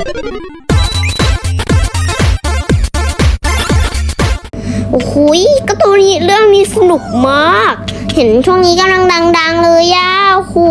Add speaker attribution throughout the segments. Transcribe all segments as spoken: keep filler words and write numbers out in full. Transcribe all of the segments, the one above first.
Speaker 1: โอ้โหก็ตัวนี้เรื่องนี้สนุกมากเห็นช่วงนี้กำลังดังๆเลยย่าโอ้โห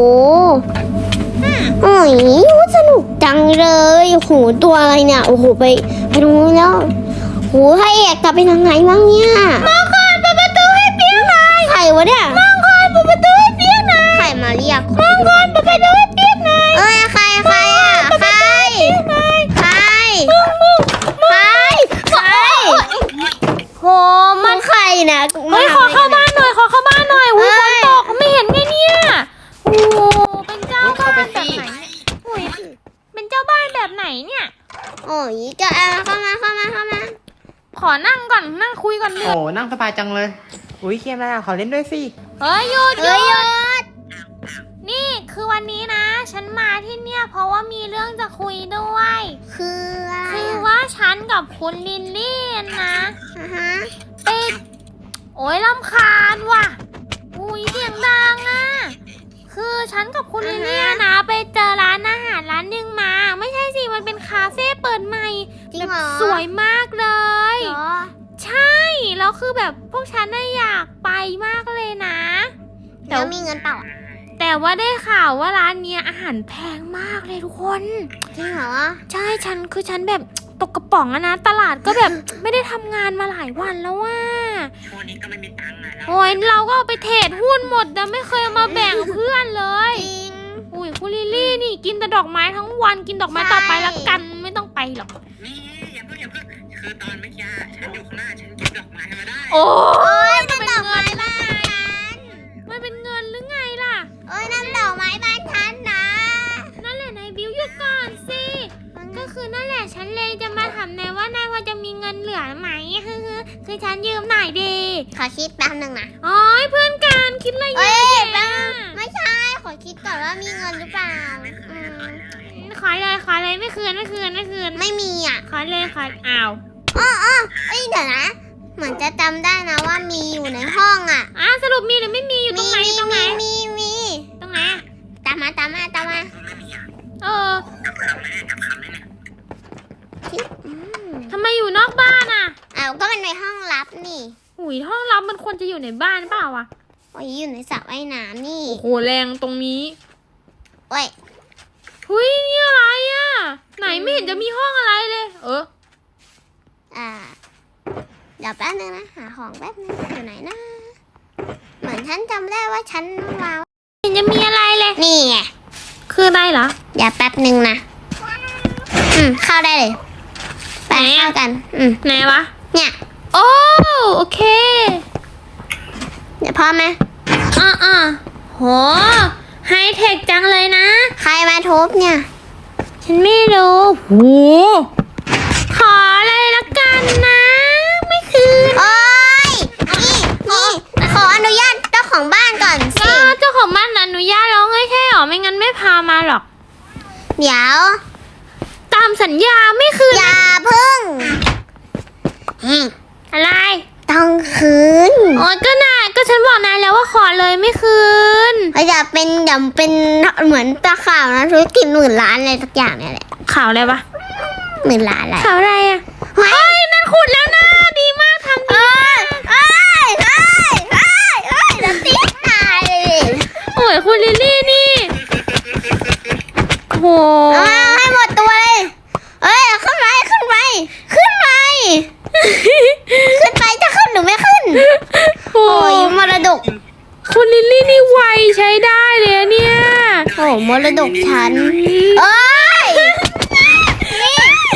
Speaker 1: โอ้ยสนุกจังเลยโอ้โหตัวอะไรเนี่ยโอ้โหไปไปตรงนู้นแล้วโอ้โหให้เอกกลับไปทางไหนบ้างเนี่ยมังกรเปิดประตูให้เปียกหน่อยใครวะเนี่ยมังกรเปิดประตูให้เปียกหน่อยใครมาเรียกมังกรเปิดประตูให้เปียกหน่อยเอ้ยใครใครอ่ะใครใครใครใครโหมันใครนะ
Speaker 2: เฮ้ยขอเข้าบ้านหน่อยขอเข้าบ้านหน่อยอุ้ยฝนตกไม่เห็นไงเนี่ยโอ้เป็นเจ้าบ้านแบบไหนอุ้ยเป็นเจ้าบ้านแบบไหนเนี่ย
Speaker 1: โอ้ยจะเอาเข้ามาเข้ามาเข้ามา
Speaker 2: ขอนั่งก่อนนั่งคุยก่อนเลย
Speaker 3: โอ้นั่งสบายจังเลยอุ้ยเกมอะไรอ่ะขอเล่นด้วยสิ
Speaker 2: เฮ้ยหยุดหยุดนี่คือวันนี้นะฉันมาที่เนี่ยเพราะว่ามีเรื่องจะคุยด้วย
Speaker 1: คืออะไร
Speaker 2: คือว่าฉันกับคุณลิลลี่นะ
Speaker 1: อ่าฮะ
Speaker 2: ไปโอ้ยรำคาญว่ะอุ้ยเสียงดังอ่ะคือฉันกับคุณลิลลี่นะไปเจอร้านอาหารร้านหนึ่งมาไม่ใช่สิมันเป็นคาเฟ่เปิดใหม่แบบสวยมากเลยใช่แล้วคือแบบพวกฉันน่ะอยากไปมากเลยนะ
Speaker 1: แต่มีเงินเปล่า
Speaker 2: แต่ว่าได้ข่าวว่าร้านเนี้ยอาหารแพงมากเลยทุกคน
Speaker 1: จริงเหรอ
Speaker 2: ใช่ฉันคือฉันแบบตกกระป๋องอะนะตลาดก็แบบไม่ได้ทำงานมาหลายวันแล้วว่า
Speaker 3: ช่วงนี้ก็ไม่มีตังค์อะ
Speaker 2: โอ้ยเราก็เอาไปเทรดหุ้นหมดแต่ไม่เคยเอามาแบ่งเพื่อนเลย
Speaker 1: จริง
Speaker 2: อุ้ยคุณลิลลี่นี่กินแต่ดอกไม้ทั้งวันกินดอกไม้ต่อไปแล้วกันไม่ต้องไปหรอก
Speaker 3: นี่อย่าเพิ่งอย่าเพิ่งคือตอนเมื่อกี้ฉันอยู่ข้างหน้าฉันเก็บดอกไม้มาได้
Speaker 2: โอ้
Speaker 1: ยนั่นดอกไม้บ้าน
Speaker 2: มันเป็นเงินหรือไงล่ะ
Speaker 1: เอ้ยนั่นดอกไม้บ้านฉันนะ
Speaker 2: นั่นแหละนายบิวหยุดก่อนสิก็คือนั่นแหละฉันเลยจะมาถามนายว่านายพอจะมีเงินเหลือไหมคือคือฉันยืมหน่อยดี
Speaker 1: ขอคิดแป๊บนึงนะ
Speaker 2: อ๋อเพื่อนกันคิดอะไรเยอะแยะ
Speaker 1: ไม่ใช่ขอคิดก่อนว่ามีเงินหรือเปล่า
Speaker 2: ขอเลยขอเลยไม่คืนไม่คืนไม่คืน
Speaker 1: ไม่มีอ่ะ
Speaker 2: ขอเลยขออ้าว
Speaker 1: อ๋ออ๋อเอ้ยเดี๋ยวนะเหมือนจะจำได้นะว่ามีอยู่ในห้องอ่ะ
Speaker 2: อ่ะสรุปมีหรือไม่มีอยู่ตรงไหนตรงไหน
Speaker 1: มีมี
Speaker 2: ตรงไหน
Speaker 1: ตามมาตามมาตามมา
Speaker 2: เออทำไมอยู่นอกบ้านอ่ะ
Speaker 1: อ้าวก็มันในห้องลับนี่
Speaker 2: หุยห้องลับมันควรจะอยู่ในบ้านเปล่าวะ
Speaker 1: โอ้ยอยู่ในสระว่ายน้ำนี่
Speaker 2: โอ้โหแรงตรงนี้
Speaker 1: โอ้ย
Speaker 2: หุยนี่อะไรอ่ะไหนไม่เห็นจะมีห้องอะไรเลยเออ
Speaker 1: อ่าเดี๋ยวแป๊บนึงนะหาของแป๊บนึงอยู่ไหนนะเหมือนฉันจำได้ว่าฉันวาง
Speaker 2: เห็นจะมีอะไรเลย
Speaker 1: นี่ไง
Speaker 2: คือได้เหรอ
Speaker 1: เดี๋ยวแป๊บนึงนะอืมเข้าได้เลยไปเข้ากันอืม
Speaker 2: ไหนวะ
Speaker 1: เนี่ย
Speaker 2: โอ้โอเค
Speaker 1: เดี๋ยวพร้อมไหม
Speaker 2: อ่าอ่าโหไฮเทคจังเลยนะ
Speaker 1: ใครมาทุบเนี่ย
Speaker 2: ฉันไม่รู้โหขออะไรละกันนะไม่คืน
Speaker 1: โอ้ยนี่นี่ขออนุญาตเจ้าของบ้านก่อนสิ
Speaker 2: เจ้าของบ้านอนุญาตแล้วไงแค่หรอไม่งั้นไม่พามาหรอก
Speaker 1: เดี๋ยว
Speaker 2: ตามสัญญาไม่คืน
Speaker 1: อย่าพึ่ง
Speaker 2: อะไร
Speaker 1: ต้องคืน
Speaker 2: โอ้ยก็น่าก็ฉันบอกนายแล้วว่าขอเลยไม่คืน
Speaker 1: อย่าเป็นอย่าเป็นเหมือนตาข่าวนะธุรกิจหมื่นล้านอะไรสักอย่างเนี่ยแหละ
Speaker 2: ข่าวอะไรปะ
Speaker 1: หมื่นล้านอะไร
Speaker 2: ข่าวอะไรอ่ะเฮ้ยนั่นขุดแล้วนะดีมากทำดี
Speaker 1: เอ้ยเอ้ยเอ้ยเอ้ยแล้วตีตายเลย
Speaker 2: โอ้ยคุณลิลลี่นี่โห
Speaker 1: ให้หมดตัวเลยเอ้ยขึ้นไปขึ้นไปขึ้นไปขึ้นไปจะขึ้นหรือไม่ขึ้นโอ้ยมรดก
Speaker 2: คุณลิลลี่นี่ไวใช้ได้เลยเนี่ย
Speaker 1: โอ้มรดกฉันเอ้ยนี่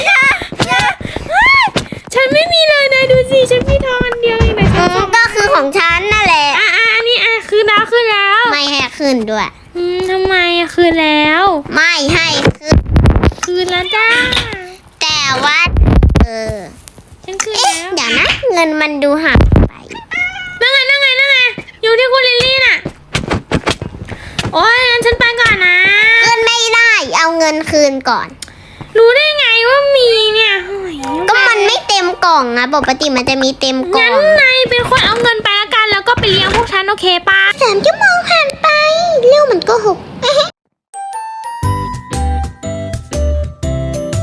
Speaker 2: ฉันไม่มีเลยนะดูสิฉันมีทองอันเดียวเองนะ
Speaker 1: ก็คือของฉันนั่นแหละ
Speaker 2: อ่ะอ่ะอันนี้อ่ะคืนแล้วคืนแล้ว
Speaker 1: ไม่ให้คืนด้วย
Speaker 2: อืมทำไมอ่ะคืนแล้ว
Speaker 1: ไม่ให้คืน
Speaker 2: คืนแล้วจ้า
Speaker 1: แต่ว่าเออ
Speaker 2: ฉันคืนแล้ว
Speaker 1: เดี๋ยวนะเงินมันดูหายไป
Speaker 2: นั่งไงนั่งไงนั่งไงอยู่ที่คุณลิลลี่น่ะโอ้ยงั้นฉันไปก่อนนะ
Speaker 1: คืนไม่ได้เอาเงินคืนก่อน
Speaker 2: รู้ได้ไงว่ามีเนี่ย
Speaker 1: ก็มันไม่เต็มกล่องนะปกติมันจะมีเต็มกล่อง
Speaker 2: งั้นนายเป็นคนเอาเงินไปละกันแล้วก็ไปเลี้ยงพวกฉันโอเคป่ะ
Speaker 1: สามชั่วโมงผ่านไปเรื่องมันก็หก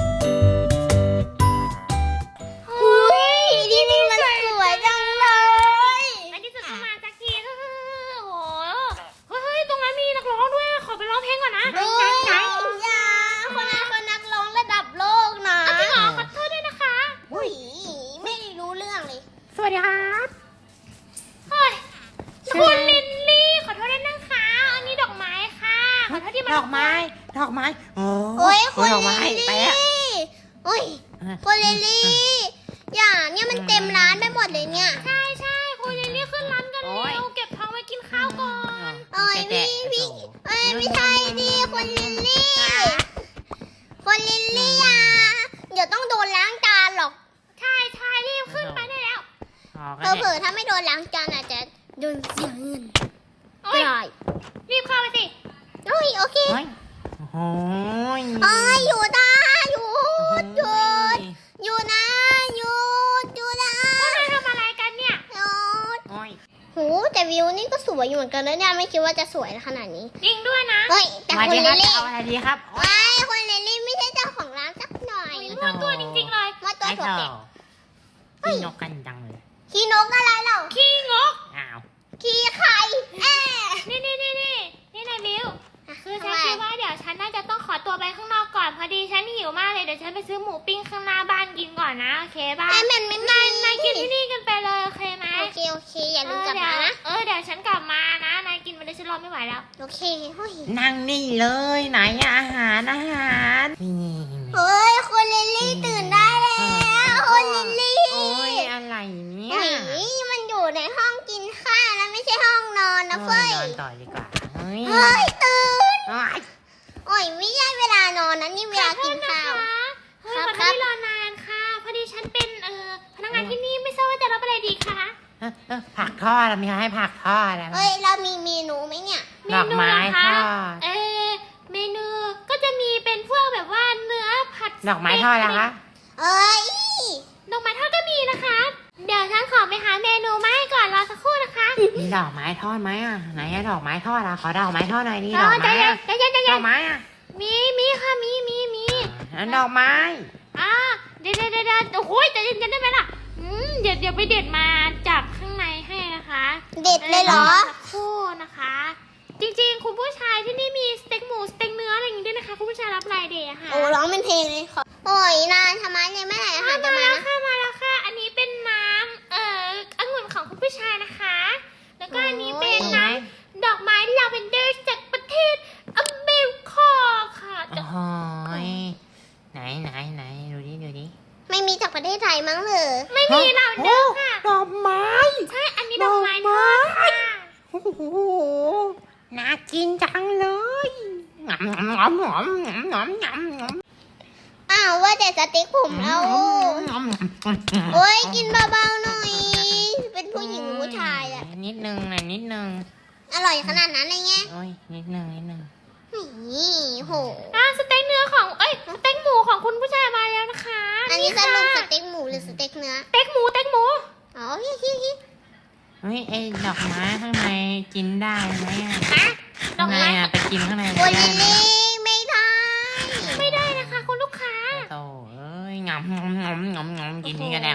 Speaker 1: คุณ
Speaker 4: ออกมาให้
Speaker 1: ลิล
Speaker 4: ไป
Speaker 1: ลี่
Speaker 4: อะ
Speaker 1: โอ้ยคุณลิลลี่อย่าเนี่ยมันเต็มร้านไปหมดเลยเนี่ย
Speaker 2: ใช่ใช่คุณลิลลี่ขึ้นร้านกัน
Speaker 4: โอ้ย
Speaker 2: เร็วเก็บท้องไว้กินข้าวก่อน
Speaker 1: โอ้ยพี่พี่เอ้ยไม่ใช่ดิคุณลิลลี่คุณลิลลี่อ่ะเดี๋ยวต้องโดนล้างจานหรอก
Speaker 2: ใช่ใช่รีบขึ้นไปได้แล้ว
Speaker 1: เผลอๆถ้าไม่โดนล้างจานอาจจะโดนเสียเงิน
Speaker 2: โอ้
Speaker 1: ก็
Speaker 2: ย
Speaker 1: ได้
Speaker 2: รีบเข้าไปสิ
Speaker 1: โอ้ยโอเค
Speaker 4: โอ้ยโอ้ย
Speaker 1: โอ้ยอยู่นะหยุดหยุดอยู่นะหยุดหยุดนะ
Speaker 2: พวกนายทำอะไรกันเนี่ย
Speaker 1: หยุด
Speaker 4: โอ้ย
Speaker 1: โหแต่วิวนี่ก็สวยอยู่เหมือนกันนะเนี่ยไม่คิดว่าจะสวยขนาดนี้
Speaker 2: จริงด้วยนะ
Speaker 1: เฮ้ยแต่
Speaker 4: สวัส
Speaker 1: คุณ
Speaker 4: ดี
Speaker 1: ลิ
Speaker 4: ครับ
Speaker 1: ลลี่
Speaker 4: เอาอะไรดีครับโอ้ย
Speaker 1: ไอ้ยคุณลิลลี่ไม่ใช่เจ้าของร้านสักหน่อย
Speaker 2: มั่วตัวจริงๆเลย
Speaker 1: มาตัว
Speaker 4: ไอ้
Speaker 1: ถั่ว
Speaker 4: เธ
Speaker 1: เป็ด
Speaker 4: อพี่นกกันจังเลย
Speaker 1: ขี้นกอะไรเหรา
Speaker 2: ขี้งก
Speaker 4: อ้าว
Speaker 1: ขี้ไข่แอะ
Speaker 2: นี่นี่นี่นี่นี่นายบิวคือฉัน
Speaker 1: ทำไม
Speaker 2: คิดว่าเดี๋ยวฉันน่าจะต้องขอตัวไปข้างนอกก่อนพอดีฉันหิวมากเลยเดี๋ยวฉันไปซื้อหมูปิ้งข้างหน้าบ้านกินก่อนนะโอเคป่ะ
Speaker 1: ไอ้มันไม่
Speaker 2: นายนายกินที่นี่กันไปเลยโอเคไหม
Speaker 1: โอเคโอเคอย่าลืมกลับมานะ
Speaker 2: เออเดี๋ยวฉันกลับมานะนายกินไปเลยฉันรอไม่ไหวแล้ว
Speaker 1: โอเคเฮ้ย
Speaker 4: นั่งนี่เลยไหนอะอาหารอาหารนี่
Speaker 1: เฮ้ยคุณลิลลี่ตื่นได้แล้วคุณลิลลี่
Speaker 4: โอ้ยอะไรเนี่ย
Speaker 1: เฮ้ยมันอยู่ในห้องกินข้าวนะไม่ใช่ห้องนอนนะเฟ้ย
Speaker 4: นอนต่อดีกว่าเฮ้ย
Speaker 1: เฮ้ยตื่น
Speaker 4: โอ้ย
Speaker 1: โอ้ยไม่ใช่เวลานอนนะนี่เวลากินข้าว
Speaker 2: เฮ้ย
Speaker 1: ครับ
Speaker 2: ขอโท
Speaker 1: ครั
Speaker 2: ษ
Speaker 1: บ
Speaker 2: ที่รอนานค่ะพอดีฉันเป็นเอ่อพนักงานที่นี่ไม่ทราบว่าจะรับอะไรดีคะ
Speaker 4: เอ้อเอ้อผักทอดอะมีใครให้ผักทอดอะไรบ้าง
Speaker 1: เฮ้ยเรามีเมนูไหมเนี่ย
Speaker 2: เม
Speaker 4: ดอก
Speaker 2: นู
Speaker 4: ไม้
Speaker 2: เหรอ
Speaker 4: ท
Speaker 2: คะ
Speaker 4: อด
Speaker 2: เออเมนูก็จะมีเป็นพวกแบบว่าเนื้อผัด
Speaker 4: ดอกไม้ทอดนะคะ
Speaker 1: เอ้ย
Speaker 2: ดอกไม้ทอดก็มีนะคะ เดี๋ยวฉันขอไปหาเมนูมาให้ก่อนรอสักครู่นะคะ
Speaker 4: มีดอกไม้ทอดไหมอ่ะไหนอะดอกไม้ทอดอะขอดอกไม้ทอดหน่อยดิ
Speaker 2: เอ
Speaker 4: ดอ
Speaker 2: อก ใจ
Speaker 4: ไม้
Speaker 2: เย็น
Speaker 4: อะ
Speaker 2: ใจเย็นใจ
Speaker 4: ด
Speaker 2: เย็
Speaker 4: อน กไม้อะ
Speaker 2: มีมีค่ะมีมีมี
Speaker 4: แล้วดอกไม้
Speaker 2: อ่าเดี๋ยวเดี๋ยวเดี๋ยวเดี๋ยวโอ้โหใจเย็นๆได้ไหมล่ะอืมเดี๋ยวเดี๋ยวไปเด็ดมาจากข้างในให้นะคะ
Speaker 1: เด็ดเลยเหรอ
Speaker 2: สักครู่นะคะ จริงๆ คุณผู้ชายที่นี่มีสเต็กหมูสเต็กเนื้ออะไรอย่างงี้ด้วยนะคะ คุณผู้ชายรับรายเดย์อะค่ะ
Speaker 1: โอ้ร้องเป็นเพลงเลยขอโอ้ยนานทำไมเนี่ยแม่ไหนอาหารจะ
Speaker 2: มา
Speaker 1: มา
Speaker 2: แล้ว
Speaker 1: นะ
Speaker 2: ค่ะมาแล้วค่ะ อันนี้เป็นน้ำเอ่อองุ่นของคุณผู้ชายนะคะ แล้วก็อันนี้เป็นน้ำดอกไม้ลาเวนเดอร์จากประเทศอเมริกาค่ะ
Speaker 4: โอ้โหยไหนไหนไหนดูดิดูดิ
Speaker 1: ไม่มีจากประเทศไทยมั้งเลย
Speaker 2: ไม่มีลาเวนเดอร์ค่ะ
Speaker 4: ดอกไม้
Speaker 2: ใช่ อันนี้ดอกไม้ทอดค่ะ
Speaker 4: โอ้โหน่ากินจังเลยงำงำงำงำงำงำงำ
Speaker 1: อ้าวว่าแต่สเต็กผมเราโอ้ยกินเบาๆหน่อย เป็นผู้หญิงหรือผู้ชายอะ
Speaker 4: นิดนึงหน่อยนิดนึง
Speaker 1: อร่อยขนาดนั้นเลยไง
Speaker 4: โอ้ยนิดนึงนิดนึง
Speaker 1: นี่โห
Speaker 2: อ่าสเต็กเนื้อของ เอ้ย สเต็กหมูของคุณผู้ชายมาแล้วนะคะ
Speaker 1: อันนี้ส
Speaker 2: ค่ะ
Speaker 1: รุปสเต็กหมูหรือสเต็กเนื้อ
Speaker 2: สเต็กหมูสเต็กหมู
Speaker 1: อ๋อฮิฮิฮิ
Speaker 4: เฮ้ยไอ้ดอกไม้ข้างในกินได้ไหมอะ
Speaker 2: ฮะดอ
Speaker 4: ข้าก งใน
Speaker 2: ไม้
Speaker 4: อะไปกินข้างใน
Speaker 1: โอ้
Speaker 4: ไม่
Speaker 1: ย
Speaker 4: ได้
Speaker 1: ลิล
Speaker 4: ไหม
Speaker 1: ลี่ไม่ได้
Speaker 2: ไม่ได้นะคะคุณลูกค้า
Speaker 4: โตเอ้ยงำงำงำงำงำกินนี่ก็ได้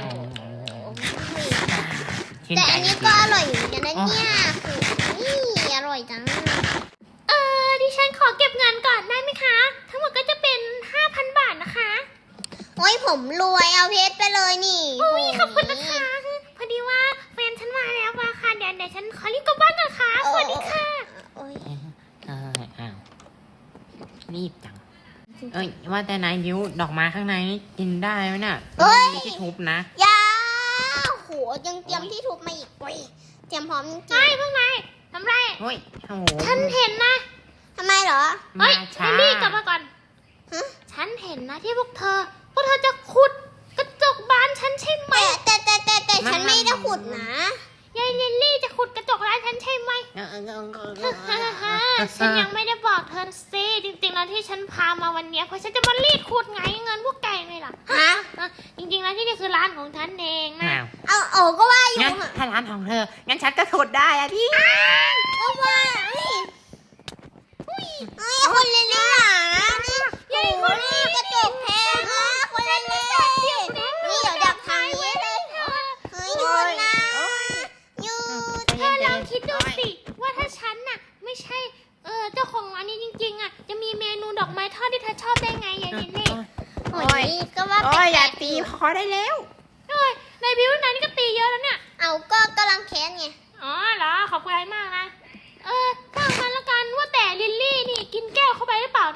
Speaker 4: ชื่
Speaker 1: แต่
Speaker 4: ใจ
Speaker 1: อันนี้ก็อร่อยอยู่เหมือนกันนะเนี่ยนี่อร่อยจัง
Speaker 2: เออดิฉันขอเก็บเงินก่อนได้ไหมคะ ทั้งหมดก็จะเป็น ห้าพัน บาทนะคะ
Speaker 1: โอ้ยผมรวยเอาเพชรไปเลยนี่
Speaker 2: อุ้ยขอบคุณนะคะ พอดีว่าแฟนฉันมาแล้วมาค่ะ เดี๋ยวเดี๋ยวฉันขอรีบกลับบ้านก่อนค่ะ สวัสดีค่ะ
Speaker 1: โอ้ย
Speaker 4: เอออ้าวรีบจังเอ้ยว่าแต่นายยิ้วดอกไม้ข้างในนี่กินได้ไหมน่ะมีที่ทุบนะ
Speaker 1: ยาโหยังเตรียมที่ทุบมาอีกเว้ยเตรียมพร้อมจริง
Speaker 2: ใช่พวกนายทำไร
Speaker 4: เฮ้ยโอ้โห
Speaker 2: ฉันเห็นนะ
Speaker 1: ๆทำไมเหรอ
Speaker 2: เฮ้ย
Speaker 4: มา
Speaker 2: เด
Speaker 4: ช้า
Speaker 2: ลลี่กลับมาก่อน
Speaker 1: ฮะ
Speaker 2: ฉันเห็นนะที่พวกเธอ พวกเธอจะขุดกระจกบ้านฉันใช่ไหม
Speaker 1: แต่แต่แต่แต่แต่ฉันไม่ได้ขุดนะ
Speaker 2: ยายลิลลี่จะขุดกระจกร้านฉันใช่ไหม
Speaker 4: เออเออเออเออเอ
Speaker 2: ฮ่า
Speaker 4: อ
Speaker 2: ฮ่าฮ่าฉันยังไม่ได้บอกเธอสิจริงๆแล้วที่ฉันพามาวันเนี้ยเพราะฉันจะมารีดขุดไงเงินพวกแกไงล่ะ
Speaker 1: ฮะ
Speaker 2: อ่ะจริงๆแล้วที่นี่คือร้านของฉันเองนะ
Speaker 4: อ้าว
Speaker 1: เอาเอาก็ว่าอยู่
Speaker 4: งั้นถ้าร้านของเธอ งั้นฉันก็ขุดได้อะดิ
Speaker 1: ก็ว่าเฮ้ยเฮ้ยคนเล่นๆหรอนี่ใหญ่คนนี้กระจกแพงมากคนเล่นๆนี่เดี๋ยวดักทางนี้เลยเฮ้ยหยุดนะหยุด
Speaker 2: เธอลองคิดดูสิว่าถ้าฉันน่ะไม่ใช่เออเจ้าของร้านนี้จริงๆอ่ะจะมีเมนูดอกไม้ทอดที่เธอชอบได้ไงยายลิลลี่
Speaker 1: โอ้ยก็ว่า
Speaker 4: โอ้ย
Speaker 1: แป
Speaker 4: อ
Speaker 1: ล
Speaker 4: ย่าก ตีพอได้แล้ว
Speaker 2: เอ้ยในบิวนายนี่ก็ตีเยอะแล้วเนี่ย
Speaker 1: ๆเอาก็กำลังแค้นไง
Speaker 2: อ๋อเหรอขอบคุณมากนะเออถ้างั้นละกันว่าแต่ลิลลี่นี่กินแก้วเข้าไปหรือเปล่านะ
Speaker 1: เ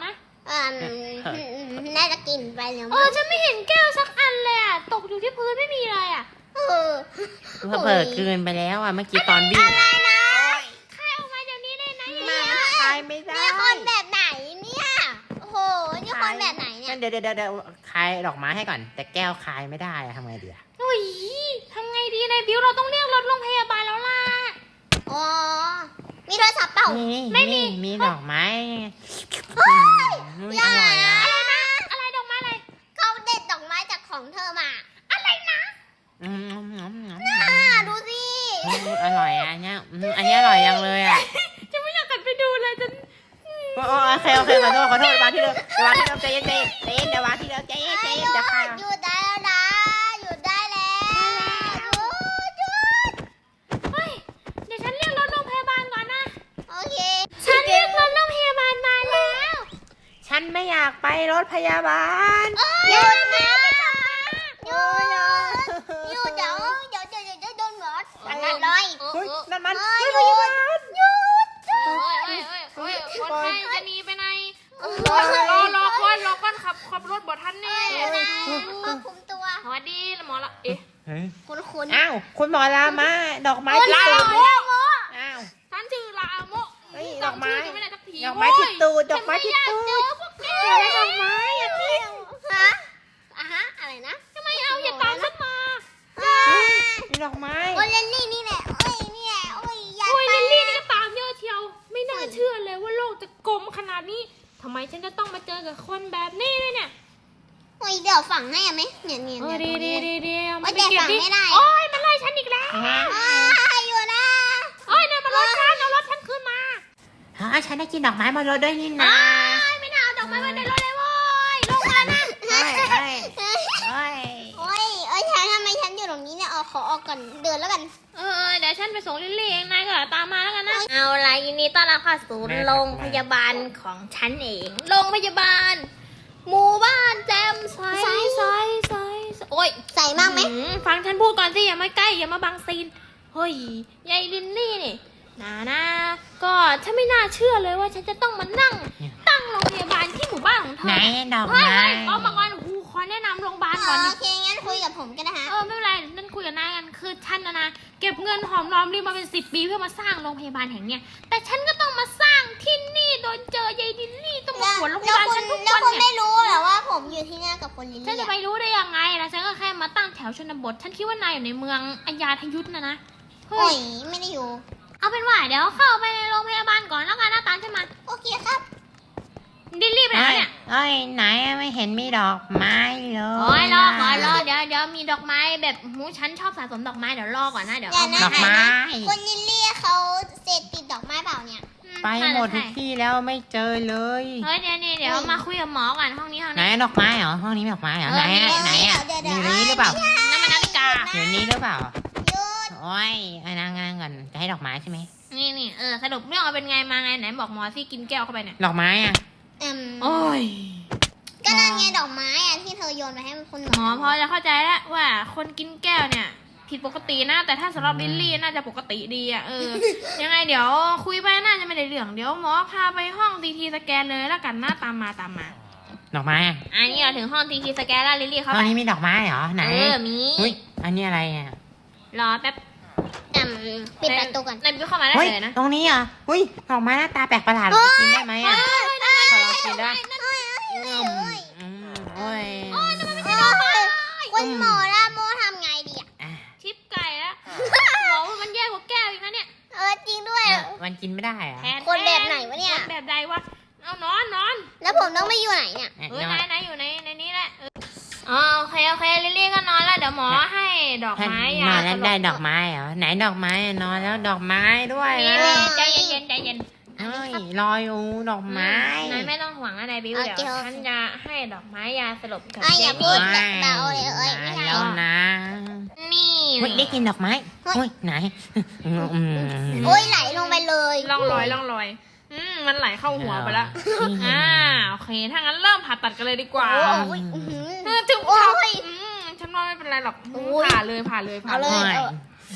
Speaker 1: อ่าน่าจะกินไปแล้ว
Speaker 2: เออฉันไม่เห็นแก้วสักอันเลยอ่ะตกอยู่ที่พื้นไม่มีเลยอ่ะ
Speaker 1: เออ
Speaker 4: เผลอๆกลืนไปแล้วอ่ะเมื่อกี้ตอนวิ่ง
Speaker 1: อะไรนะ
Speaker 2: ใครเอามาเดี๋ยวนี้เลยนะ
Speaker 4: มาคายไม่ได้
Speaker 1: นี่คนแบบไหนเนี่ยโอ้โหนี่คนแบบไหนเนี่ย
Speaker 4: เดี๋ยวเดี๋ยวเดี๋ยวคายดอกไม้ให้ก่อน แต่แก้วคายไม่ได้อะทำไงดีอะ
Speaker 2: โอ้ยทำไงดีนายบิวเราต้องเรียกรถโรงพยาบาลแล้วล่ะ
Speaker 1: อ๋อมีโทรศัพท์เปล่า
Speaker 4: นี่
Speaker 2: ไม่มี
Speaker 4: นี่มีดอกไม้
Speaker 1: เฮ้ย
Speaker 4: อืม
Speaker 1: อย่า
Speaker 4: อร่อยอะ
Speaker 2: อะไรนะอะไรดอกไม้อะไร
Speaker 1: เขาเด็ดดอกไม้จากของเธอมา
Speaker 2: อะไรนะ
Speaker 4: อืมอืมอืมอืม
Speaker 1: อ่าดูสิ
Speaker 4: อืมอร่อยอะอันเนี้ยอืมอันเนี้ยอร่อยยังเลยอะ
Speaker 2: จะไม่อยากกลับไปดูเลยจน
Speaker 4: โอ้โอเคโอเคขอโทษขอโทษวางที่เดิมวางที่เดิมใจเย็นใจเย็นใจเย็นเดี๋ยววางที่เดิมใจเย็นใจเย็นเดี๋ยวค่ะ
Speaker 1: หยุดได้แล้วนะหยุดได้แล้วหยุดหยุด
Speaker 2: เฮ้ยเดี๋ยวฉันเรียกรถโรงพยาบาลก่อนนะ
Speaker 1: โอเค
Speaker 2: ฉันเรียกรถโรงพยาบาลมาแล้ว
Speaker 4: ฉันไม่อยากไปรถพยาบาล
Speaker 1: หยุดนะหยุดหยุดเดี๋ยวเดี๋ยวเดี๋ยวเดี๋ยวโดนหมดอันนั้นเลย
Speaker 4: เฮ้ยนั่นมัน
Speaker 1: เฮ้ย
Speaker 4: รถพยาบาล
Speaker 1: หยุด
Speaker 2: โอ้ยโอ้ยโอ้ยโอ้ยคนไข้จะหนีไปไหนรอรอก่อนรอก่อนขับขับรถบดทันแน่
Speaker 1: ควบคุมตัว
Speaker 2: สวัสดีหมอละเอ๊ะ
Speaker 4: เฮ้ย
Speaker 1: คุณคุณ
Speaker 4: อ้าวคุณหมอลามาดอกไม้
Speaker 2: ลา
Speaker 4: ติด
Speaker 2: โม
Speaker 4: ตูดอ้าว
Speaker 2: ฉันชื่อลาโม
Speaker 4: เฮ้ย
Speaker 2: จำชื่อจะไม่ได้สักที
Speaker 4: ดอกไม้ติดตูดดอกไม้ติดตูด
Speaker 2: ฉันไม่อยากเจอพวกแก
Speaker 4: ดอกไม้อะพี่
Speaker 1: ฮะอ่ะฮะอะไรนะ
Speaker 2: ทำไมเอาอย่าตามฉันมา
Speaker 4: ดอกไม้
Speaker 1: โอ้ยเลนนี่นี่แหละโอ้ยนี่แหละโอ้ยอย่า
Speaker 2: โอ้ย
Speaker 1: ไป
Speaker 2: ลิลลี่นี่ก็ตามเยอะเชียว ไม่น่าเชื่อเลยว่าโลกจะกลมขนาดนี้ทำไมฉันจะต้องมาเจอกับคนแบบนี้ด้วยเนี่ย
Speaker 1: โอ้ยเดี๋ยวฝังให้อะไหมเนี่ยเนี่ย
Speaker 2: เออ
Speaker 1: เนี่ย
Speaker 2: ดี
Speaker 1: ตรง
Speaker 2: ดี
Speaker 1: นี้
Speaker 2: ดีดีเอา
Speaker 1: โอ้
Speaker 2: มาย ไป
Speaker 1: แต่
Speaker 2: เก็บ
Speaker 1: ฝัง
Speaker 2: ดิ
Speaker 1: ไม่ได้
Speaker 2: โอ้ยมันไล่ฉันอีกแล้ว
Speaker 1: อ่าอยู่นะ
Speaker 2: โอ้ยเนี่ยมันรถฉันเอารถฉันขึ้นมา
Speaker 4: ฮะฉันได้กินดอกไม้บนรถด้วยนี่นะ
Speaker 2: โอ้ยไม่น่าเอาดอกไม้มาในรถเลยโว้ยลงมานะ
Speaker 4: เฮ้ยเฮ้ยเฮ้ย
Speaker 1: โอ้ยเอ้ยฉันทำไมฉันอยู่ตรงนี้เนี่ยเอาขอออกก่อนเดินแล้วกัน
Speaker 2: เออเดี๋ยวฉันไปส่งลิลลี่เองนายก็ตามมาแล้วกันนะเอาละยินดีต้อนรับเข้าสู่โรงพยาบาลของฉันเองโรงพยาบาล หมู่บ้านแจมใสใสใสโอ้ย
Speaker 1: ใส่มากไหม
Speaker 2: อืฟังฉันพูดก่อนสิอย่ามาใกล้อย่ามาบังซีนเฮ้ยยายลินลี่นี่นานะก็ฉันไม่น่าเชื่อเลยว่าฉันจะต้องมานั่ง ตั้งโรงพยาบาลที่หมู่บ้านของเธอ
Speaker 4: ไหนดอก
Speaker 2: เฮ้ย
Speaker 4: ไม้
Speaker 2: เฮ้ยเอามาก่อนครูขอแนะนำโรงพยาบาลก่อน
Speaker 1: โอ
Speaker 2: ดิ
Speaker 1: เคงั้นคุยกับผมก็ได้ฮะ
Speaker 2: เออไม่เป็นไรนั่นคุยกับนายกันคือฉันนะนะเก็บเงินหอมรอมริบมาเป็นสิบปีเพื่อมาสร้างโรงพยาบาลแห่งเนี้ยแต่ฉันก็ต้องมาสร้างที่นี่โดยเจอยายลินลี่ต้องมาขวนโรงพยาบาลฉันทุก
Speaker 1: แล้ว
Speaker 2: วัน
Speaker 1: คุณ
Speaker 2: เนี่ย
Speaker 1: ไม่รู้เหรอว่าผมอยู่ที่เนี่ยกับคนลิล
Speaker 2: ฉัน
Speaker 1: ลี่
Speaker 2: จะไปรู้ได้ยังไงล่ะฉันก็แค่มาตั้งแถวชนบท ฉันคิดว่านายอยู่ในเมืองอัญญาทยุทธนะนะ
Speaker 1: โอ้
Speaker 2: เฮ้
Speaker 1: ย
Speaker 2: ย
Speaker 1: ไม่ได้อยู่
Speaker 2: เอาเป็นว่าเดี๋ยวเข้าไปในโรงพยาบาลก่อนแล้วกันนะตามฉันมา
Speaker 1: โอเคครับ
Speaker 2: ดิลลี่ไปไหน
Speaker 4: เฮ้ย
Speaker 2: เนี่ย
Speaker 4: เฮ้ยไหนไม่เห็นมีดอกไม้เลย
Speaker 2: โอ้ยรอก่อนรอเดี๋ยวเดี๋ยวมีดอกไม้แบบหูฉันชอบสะสมดอกไม้เดี๋ยวรอก่อนนะเดี๋ยว
Speaker 1: อย่า
Speaker 2: เอา
Speaker 1: นะ
Speaker 2: มา
Speaker 4: ดอก
Speaker 2: ให้
Speaker 4: ไม้
Speaker 1: คนลิลลี่เขาเสพติดดอกไม้เปล่าเนี่ย
Speaker 2: อื
Speaker 4: ไปหมดทุก
Speaker 2: ใช่
Speaker 4: ที่แล้วไม่เจอเลย
Speaker 2: เฮ้ยเดี๋ยวนี่เดี๋ยวมาคุยกับหมอก่อนห้องนี้ห้อง
Speaker 4: ไหน
Speaker 2: นี้
Speaker 4: ดอกไม้เหรอห้องนี้มีดอกไม้เหรอ
Speaker 2: เออ
Speaker 4: ไหนอะ
Speaker 2: มี
Speaker 4: ไหนอะ
Speaker 1: เดี๋ยว
Speaker 4: อ
Speaker 1: เดี๋ยว
Speaker 4: ยู่ในนี้หรือเปล่า
Speaker 2: น้ำมันนาฬิกา
Speaker 4: อยู่ในนี้หรือเปล่า
Speaker 1: หยุด
Speaker 4: โอ้ยไอ้นางงานก่อนจะให้ดอกไม้ใช่ไหม
Speaker 2: นี่นี่เออสรุปเรื่องเอาเป็นไงมาไงไหนบอกหมอสิกินแก้วเข้าไปเนี่ย
Speaker 4: ดอกไม้อะ
Speaker 1: อืม
Speaker 2: โอ้ย
Speaker 1: ก็นั่นไงดอกไม้อะที่เธอโยนไปให้คุณหม
Speaker 2: หมอพอจะเข้าใจแล้วว่าคนกินแก้วเนี่ย ผิดปกตินะ แต่ถ้าสำหรับลิลลี่น่าจะปกติดีอ่ะเออ ยังไงเดี๋ยวคุยไปน่าจะไม่ได้เรื่องเดี๋ยวหมอพาไปห้องทีทีสแกนเลยแล้วกันนะตามมาตามมา
Speaker 4: ดอกไม้อะ
Speaker 2: อันนี้เราถึงห้องทีทีสแกนแล้วลิลลี่เข้า
Speaker 4: ห้
Speaker 2: ไป
Speaker 4: องนี้มีดอกไม้เหรอไหน
Speaker 2: เออมี
Speaker 4: เฮ้ยอันนี้อะไรอะ
Speaker 2: รอแป๊บ
Speaker 1: อืมปิดประตูก่อน
Speaker 2: นายบิวเข้ามาได้
Speaker 4: เฮ้ย
Speaker 2: เลยนะ
Speaker 4: ตรงนี้อ่ะเฮ้ยดอกไม้หน้าตาแปลกประหลาดจะกินได้ไหมอ่ะขอลองกินได้อืมอืมโอ้ย
Speaker 1: คุณหมอละโมทำไงดีอะ
Speaker 4: อ่ะ
Speaker 2: ชิปไก่แล้วหมอว่ามันแย่กว่าแก้วอีกนะเนี่ย
Speaker 1: เออจริงด้วย
Speaker 4: เออมันกินไม่ได้เหรอ่ะ
Speaker 2: แทน
Speaker 1: คนแบบไหนวะเนี่ย
Speaker 2: คนแบบใดวะเอานอนนอน
Speaker 1: แล้วผมต้องไปอยู่ไหนเนี่ย
Speaker 2: เออนายนายอยู่ในในนี้แหละเอออ๋อโอเคโอเคลิลลี่ก็นอนแล้วเดี๋ยวหมอให้ดอก
Speaker 4: ท่าน
Speaker 2: ไม้
Speaker 4: น
Speaker 2: ยา
Speaker 4: อนแล้ว
Speaker 2: สลบ
Speaker 4: ได้ดอกไม้เหรอไหนดอกไม้อะนอนแล้วดอกไม้ด้วย
Speaker 2: นี่
Speaker 4: นะ
Speaker 2: ใจเย็นๆใจเย็น
Speaker 4: เฮ้ยรออยู่ดอกไม้
Speaker 2: นายไม่ต้องห่วงนะนายบิว
Speaker 1: โอ
Speaker 2: เดี๋ยว
Speaker 1: เค
Speaker 2: ฉันจะให้ดอกไม้ยาสลบกับ
Speaker 1: อ่ะอย่าพู
Speaker 2: เจ
Speaker 1: ด
Speaker 2: นี่
Speaker 1: เบาๆเลยเอ้ยไม่ได้
Speaker 4: แล้วนะ
Speaker 2: นี่
Speaker 4: เฮ้ยได้กินดอกไม้เฮ้ยไหนอืมอืม
Speaker 1: โอ้ยไหลลงไปเลย
Speaker 2: ล่องลอยล่องลอยอืมมันไหลเข้าหัวไปแล้วอ่าโอเคถ้างั้นเริ่มผ่าตัดกันเลยดีกว่า
Speaker 1: โอ้ยอื้อหือ
Speaker 2: เออถึง
Speaker 1: โอ้
Speaker 2: ผ่าย อืมฉันว่าไม่เป็นไรหรอก
Speaker 1: โอ้ย
Speaker 2: ผ่าเลยผ่าเลยผ่า
Speaker 1: เอา
Speaker 2: เล
Speaker 1: เลย
Speaker 2: ย
Speaker 1: เออ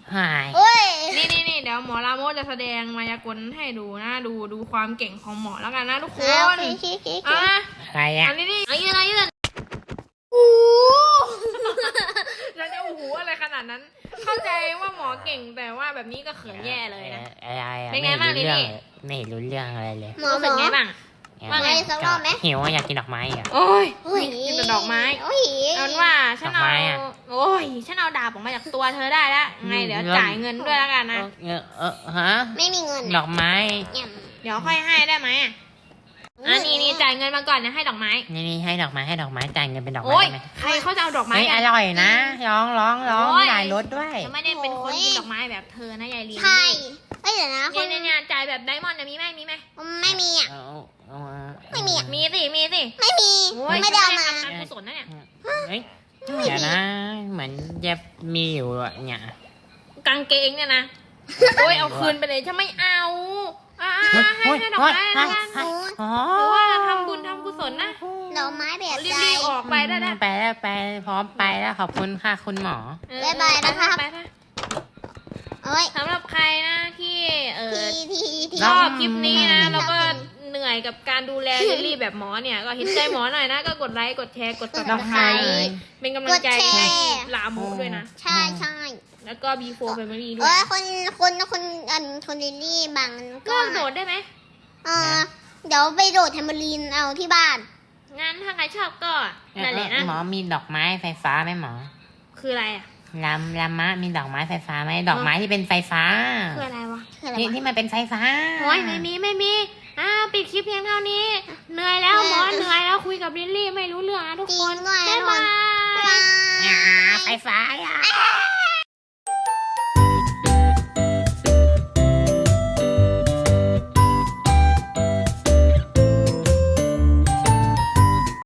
Speaker 4: หาย
Speaker 1: เอ้ย
Speaker 2: นี่นี่นี่เดี๋ยวหมอลาโมจะแสดงมายากลให้ดูนะดูดูความเก่งของหมอแล้วกันนะทุกคน
Speaker 1: โอเคโอเคโอเค
Speaker 2: อ่ะ
Speaker 4: อะไรอ่ะ
Speaker 2: อันนี้นี่เอายืนเอายืน
Speaker 1: โอ้
Speaker 2: เราจะโอ้โหอะไรขนาดนั้น เข้าใจว่าหมอเก่งแต่ว่าแบบนี้ก็เขินแย่เลยนะ
Speaker 4: อะไรอ่ะ
Speaker 2: เป็นไงบ้าง
Speaker 4: ม่รู้เรื่อง
Speaker 2: ลิลลี่
Speaker 4: ไม่รู้เรื่องอะไรเลย
Speaker 1: หมอ
Speaker 2: รู้
Speaker 1: หม
Speaker 2: สึก
Speaker 1: อ
Speaker 2: ไงบ้าง ว่าไง
Speaker 1: สักรอบไหม
Speaker 4: หิวอะอยากกินดอกไม้อ่ะ
Speaker 2: โอ้ย
Speaker 1: โอ้ย
Speaker 2: กินแต่ดอกไม้
Speaker 1: โอ้ย
Speaker 2: เอาเป็นว่าฉัน
Speaker 4: ดอก
Speaker 2: เอา
Speaker 4: ไม้อะ
Speaker 2: โอ้ยฉันเอาดาบออกมาจากตัวเธอได้แล้วไงเดี๋ยวจ่ายเงินด้วยแล้วกันนะ
Speaker 4: เออเออฮะ
Speaker 1: ไม่มีเงิน
Speaker 4: ดอกไม้
Speaker 1: เนี่ย
Speaker 2: เดี๋ยวค่อยให้ได้ไหมอ่ะอันนี้นี่จ่ายเงินมาก่อนนะให้ดอกไม้
Speaker 4: นี่นี่ให้ดอกไม้ให้ดอกไม้จ่ายเงินเป็นดอกไม้
Speaker 2: โอ้ย
Speaker 4: ได้ไหม
Speaker 2: ใครเขาจะเอาดอกไม้
Speaker 4: เฮ้ย
Speaker 2: กั
Speaker 4: อน ร่อยนะร้องร้องร้อง
Speaker 2: โอ้ย
Speaker 4: ได้รถด้วย
Speaker 2: จะไม่ได้เป็นคนกินดอกไม้แบบเธอนะยายลี
Speaker 1: ใช่เอ้ยเดี๋ยวนะค
Speaker 2: เนี่ย
Speaker 1: น
Speaker 2: เนี่ยเนี่ยจ่ายแบบไดมอนด์เนี่ยมีไหมมีไหม
Speaker 1: ไม่มีอ่ะ
Speaker 4: เอาเอา
Speaker 1: ไม่มีอะ
Speaker 2: มีสิมีสิ
Speaker 1: ไม่มี
Speaker 2: โอ้ย
Speaker 1: ไม่ได้เอามา
Speaker 2: ทำการกุศลนะเนี่ย
Speaker 4: เฮ้ยเดี๋ยวนะ เหมือนจะมีอยู่อะเนี่ย
Speaker 2: กางเกงเนี่ยนะโอ้ยเอาคืนไปเลยฉันไม่เอาอ่าให้ให้ดอกไม้แล้วกัน
Speaker 4: อ๋อ
Speaker 2: หรือว่าทำบุญทำกุศลนะ
Speaker 1: ดอกไม้แบบ
Speaker 2: รี
Speaker 1: ใจ
Speaker 2: บๆออกไปได้แล้ว
Speaker 4: ไปแล้วไปพร้อมไปแล้วขอบคุณค่ะคุณหมอ
Speaker 2: เออ
Speaker 1: บ๊ายบายนะครับ
Speaker 2: ไปไป
Speaker 1: เอ้ย
Speaker 2: สำหรับใครนะที่เออ
Speaker 1: ทีทีที
Speaker 2: ชอบคลิปนี้นะแล้วก็เหนื่อยกับการดูแลลิลลี่แบบหมอเนี่ยก็เห็นใจหมอหน่อยนะก็กดไลค์กดแชร์กด
Speaker 4: ดอกไม้
Speaker 2: subscribe เป็นกำลังใจให้ลาโมด้วยนะ
Speaker 1: ใช่ใช่
Speaker 2: แล้วก็ บี โฟร์ Family ด้ว
Speaker 1: เอ้
Speaker 2: ย
Speaker 1: ยคนคนคนอันคนลิลลี่บางก็
Speaker 2: เลิกโดดได้ไหม
Speaker 1: เออเดี๋ยวไปโดดแทมเบอรีนเอาที่บ้าน
Speaker 2: งั้นถ้าใครชอบก็นั่นแหละนะ
Speaker 4: หมอมีดอกไม้ไฟฟ้าไหมหมอ
Speaker 2: คืออะไรอ่ะ
Speaker 4: ลำลำมะมีดอกไม้ไฟฟ้าไหมดอกไม้ที่เป็นไฟฟ้า
Speaker 2: คืออะไรวะ
Speaker 1: คืออะไร
Speaker 4: ที่
Speaker 1: วะ
Speaker 4: ที่มันเป็นไฟฟ้า
Speaker 2: โอ้ยไม่มีไม่มีอ่าปิดคลิปเพียงเท่านี้ เหนื่อยแล้วหมอเหนื่อยแล้วคุยกับลิลลี่ไม่รู้เรื่องนะทุก
Speaker 1: จริ
Speaker 2: ค
Speaker 1: ง
Speaker 2: น
Speaker 1: ด้วย
Speaker 2: บ๊ายบาย
Speaker 1: บาย
Speaker 4: อ่าไฟฟ้าอ่ะ